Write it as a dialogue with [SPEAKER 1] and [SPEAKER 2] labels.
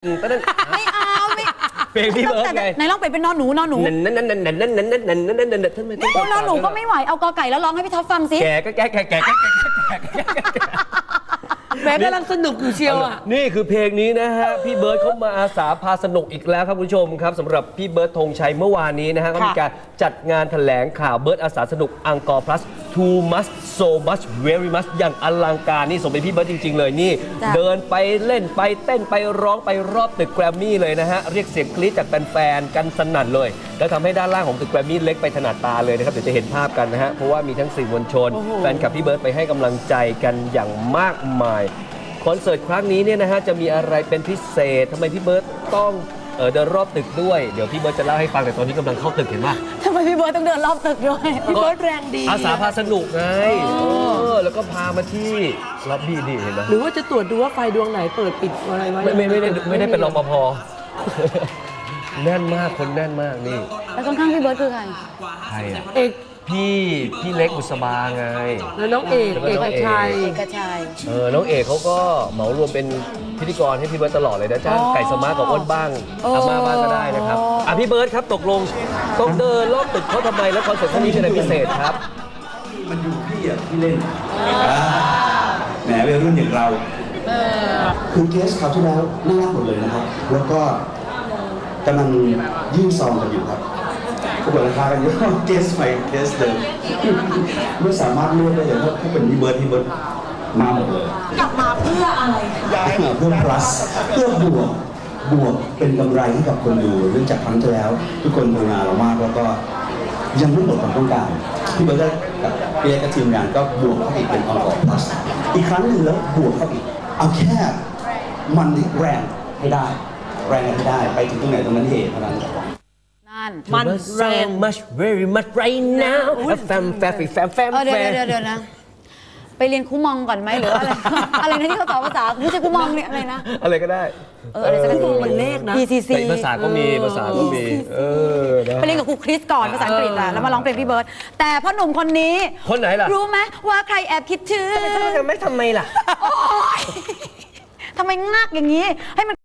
[SPEAKER 1] ไม่เอาไม่
[SPEAKER 2] เพลงพี่เบิร์ดไง
[SPEAKER 1] ไหนลองเปลี่ยนเป็นนอนหนูนอนหนูโอ้นอนหนูก็ไม่ไหวเอากอไก่แล้วร้องให้พี่ท็อปฟังสิ
[SPEAKER 2] แกก็แก
[SPEAKER 3] แม่กำลังสนุกอยู่เชียวอ่ะ
[SPEAKER 2] นี่คือเพลงนี้นะฮะพี่เบิร์ดเขามาอาสาพาสนุกอีกแล้วครับคุณผู้ชมครับสำหรับพี่เบิร์ดธงชัยเมื่อวานนี้นะฮะก็มีการจัดงานแถลงข่าวเบิร์ดอาสาสนุกอังกอร์ plus too much so much very much อย่างอลังการนี่สมเป็นพี่เบิร์ดจริงๆเลยนี่เดินไปเล่นไปเต้นไปร้องไปรอบตึกแกรมมี่เลยนะฮะเรียกเสียงกรี๊ดจากแฟนๆกันสนั่นเลยแล้วทำให้ด้านล่างของตึกแกรมมี่เล็กไปถนัดตาเลยนะครับเดี๋ยวจะเห็นภาพกันนะฮะเพราะว่ามีทั้งสื่อมวลชนแฟนคลับพี่เบิร์ดไปให้กำลังใจกันอย่างมากมายคอนเสิร์ตครั้งนี้เนี่ยนะฮะจะมีอะไรเป็นพิเศษทำไมพี่เบิร์ตต้องเดินรอบตึกด้วยเดี๋ยวพี่เบิร์ตจะเล่าให้ฟังแต่ตอนนี้กำลังเข้าตึกเห็นป่ะ
[SPEAKER 1] ทำไมพี่เบิร์ดต้องเดินรอบตึกด้วย
[SPEAKER 3] พี่เบิร์ดแรงดี
[SPEAKER 2] อาสาพาสนุกไงแล้วก็พามาที่ล็อบบี้นี่เห็นไหม
[SPEAKER 3] หรือว่าจะตรวจดูว่าไฟดวงไหนเปิดปิดอะไรไว้
[SPEAKER 2] ไม่ได้เป็นรปภแน่นมากคนแน่นมากนี่
[SPEAKER 1] แล้วข้างๆพี่เบิร์ดคือใคร
[SPEAKER 2] ใครอ่ะ
[SPEAKER 3] เอก
[SPEAKER 2] พี่เล็กบุษบาไง
[SPEAKER 3] แล้วน้องเอกชัย
[SPEAKER 1] เอกชัย
[SPEAKER 2] น้องเอกเขาก็เหมารวมเป็นพิธีกรให้พี่เบิร์ตตลอดเลยนะจ้างไก่สมาร์ทกับอ้นบ้างอาม่าบ้างก็ได้นะครับพี่เบิร์ตครับตกลงต้องเดินรอบตึกเขาทำไมแล้วคอนเสิร์ตครั้งนี้เป็นอะไรพิเศษครับ
[SPEAKER 4] มันอยู่พี่อ่ะพี่เล่นแหมวัยรุ่นอย่างเราคือเกสคราวที่แล้วน่ารักหมดเลยนะครับแล้วก็กำลังยื่นซองกันอยู่ครับก็เปิดราคากันเยอะเกสใหม่เกสเดิมไม่สามารถเลือกได้เลยว่าถ้าเป็นพี่เบิร์ดมาหมดเลย
[SPEAKER 5] กลับมาเพื่ออะไรคะ
[SPEAKER 4] เพื่อ plus เพื่อบวกเป็นกำไรให้กับคนดูเนื่องจากครั้งที่แล้วทุกคนทำงานเรามากแล้วก็ยังไม่หมดความต้องการพี่เบิร์ดกับเปียกับทีมงานก็บวกเข้าอีกเป็นองค์กร plus อีกครั้งหนึ่งแล้วบวกเข้าอีกเอาแค่มันแรงให้ได้ไปถึงตรงไหนตรงนั้นเหตุเท่านั้น
[SPEAKER 1] นั่น
[SPEAKER 3] มันแรง
[SPEAKER 2] much very much right now แฟมเ
[SPEAKER 1] ดี๋ยวนะไปเรียนคูมองก่อนไหมหรือว่าอะไรนะที่เขาสอนภาษาไม่ใช่คูมองเนี่ยอะไรนะ
[SPEAKER 2] อะไรก็ได้
[SPEAKER 1] อะไรสักอย่าง
[SPEAKER 3] มันเลขนะ
[SPEAKER 1] PCC
[SPEAKER 2] ภาษาก็มี
[SPEAKER 1] ไปเรียนกับครูคริสก่อนภาษาอังกฤษแล้วมาร้องเพลงพี่เบิร์ดแต่พ่อหนุ่มคนนี้
[SPEAKER 2] คนไหนล่ะ
[SPEAKER 1] รู้ไหมว่าใครแอบคิดถึง
[SPEAKER 2] ไม่ทำไมล่ะ
[SPEAKER 1] ทำไมงักอย่างนี้ให้มัน